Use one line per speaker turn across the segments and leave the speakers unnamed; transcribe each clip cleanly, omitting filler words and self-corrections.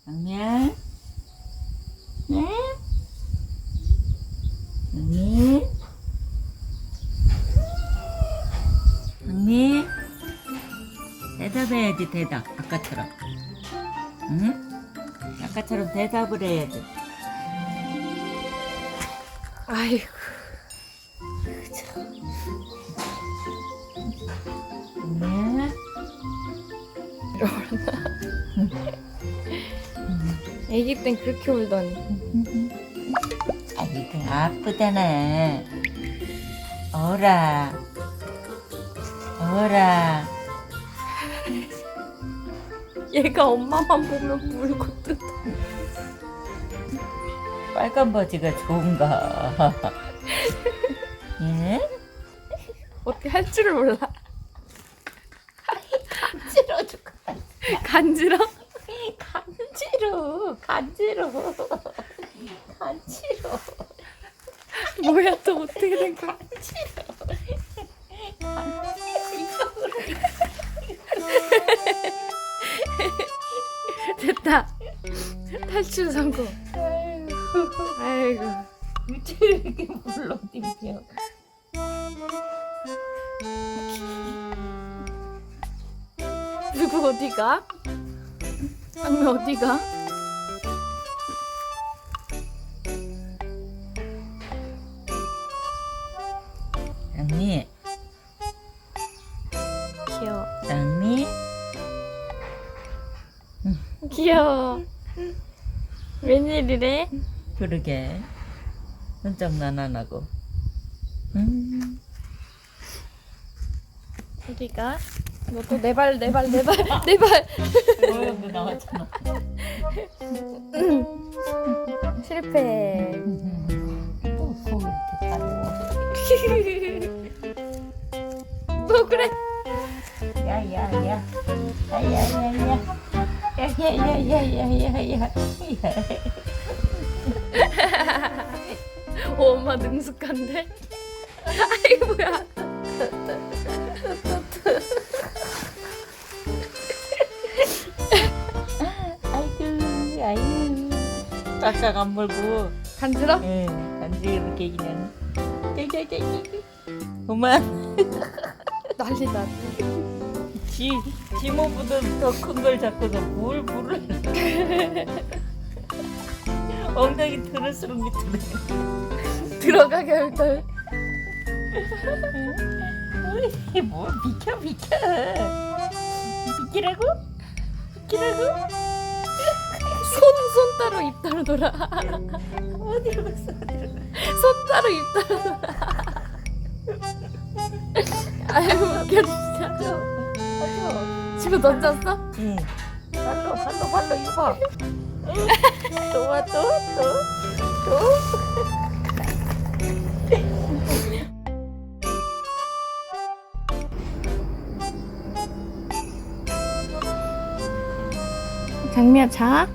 장미야? 네? 장미? 장미? 대답해야지, 대답. 아까처럼. 응? 아까처럼 대답을 해야지.
아이고.
장미야?
애기 땐 그렇게 울더니.
아이고, 아프잖아. 어라. 어라.
얘가 엄마만 보면 울고 뜯어.
빨간 바지가 좋은가? 예?
어떻게 할 줄을 몰라.
간지러 죽어.
간지러?
간지러. 간지러. 간지러.
뭐야 또 어떻게 된 거야? 됐다. 탈출 성공. 아이고.
유치를 이렇게 불러 띵겨.
누구 어디가? 장미 어디가?
장미.
귀여워.
장미.
귀여워. 웬일이래?
그러게. 손장난 안 하고.
어디가? 너 또 내 발.
너 나왔잖아.
실패.
또 속을 이렇게 따로.
너 그래?
야야야. 야야야야. 야야야야야야야.
오, 엄마 능숙한데? 아이고 뭐야.
아이고 아이고. 깍깍 안 물고.
간지러?
예, 간지럽게 그냥. 그만.
난리다.
지 몸보다 더 큰 걸 잡고서 뭘 물을. 엉덩이 들을수록 밑으로.
들어가 결덜.
어이, 뭐 비켜. 비키라고?
손 따로 입 따로 돌아.
어디로 갔어?
손 따로 입 따로 돌아. 아이고 웃겨 진짜. 집어 던졌어?
응. 발로 이거 봐. 또.
장미야 자.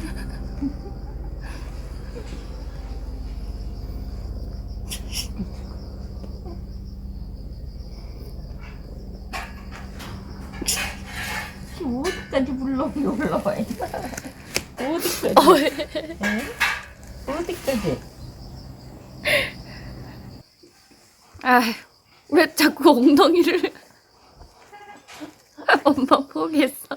어디까지 불러이 올라와. 어디까지? 응? 어디까지?
아, 왜 자꾸 엉덩이를? 엄마 포기했어.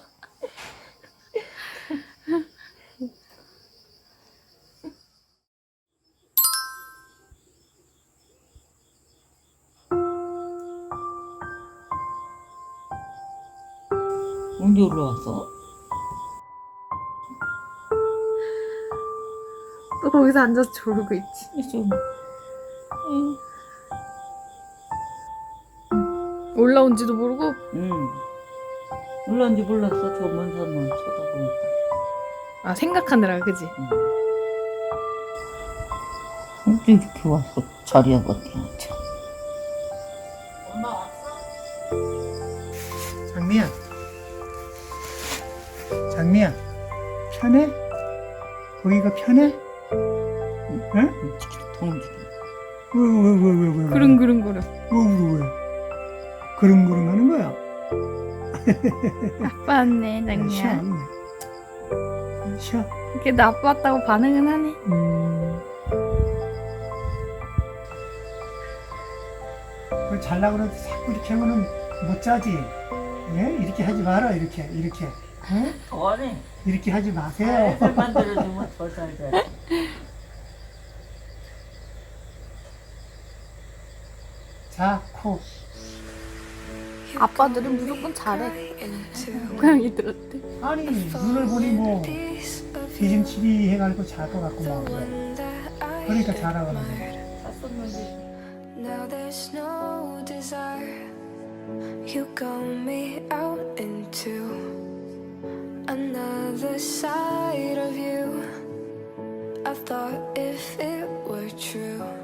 언제 올라왔어?
또 거기서 앉아서 졸고 있지.
좀. 응.
올라온지도 모르고.
응. 올라온지 몰랐어. 저 먼 산만 쳐다보니까.
아 생각하느라 그지?
언제 이렇게 와서 자리에 버티냐 참. 엄마 왔어?
장미야, 편해? 거기가 편해? 응?
통 움직여.
왜?
그릉그릉거려.
왜? 그릉그릉 하는 거야?
아빠 왔네 장미야.
참. 쉬어.
이렇게 나빴다고 반응은 하네.
그걸 잘라고 그래도 자꾸 이렇게 하면은 못 자지. 예? 이렇게 하지 마라, 이렇게. 예?
더하네.
이렇게 하지 마세요.
애들 만들어주면 더 잘 돼.
자, 코.
아빠들은 무조건 잘해. 고양이들한테.
아니, 눈을 보니 뭐, 기심치기 해가지고 잘 것 같고 막 그래. 그러니까 잘하거든.
샀었는데.
Now there's no desire. You got me out into another side of you. I thought if it were true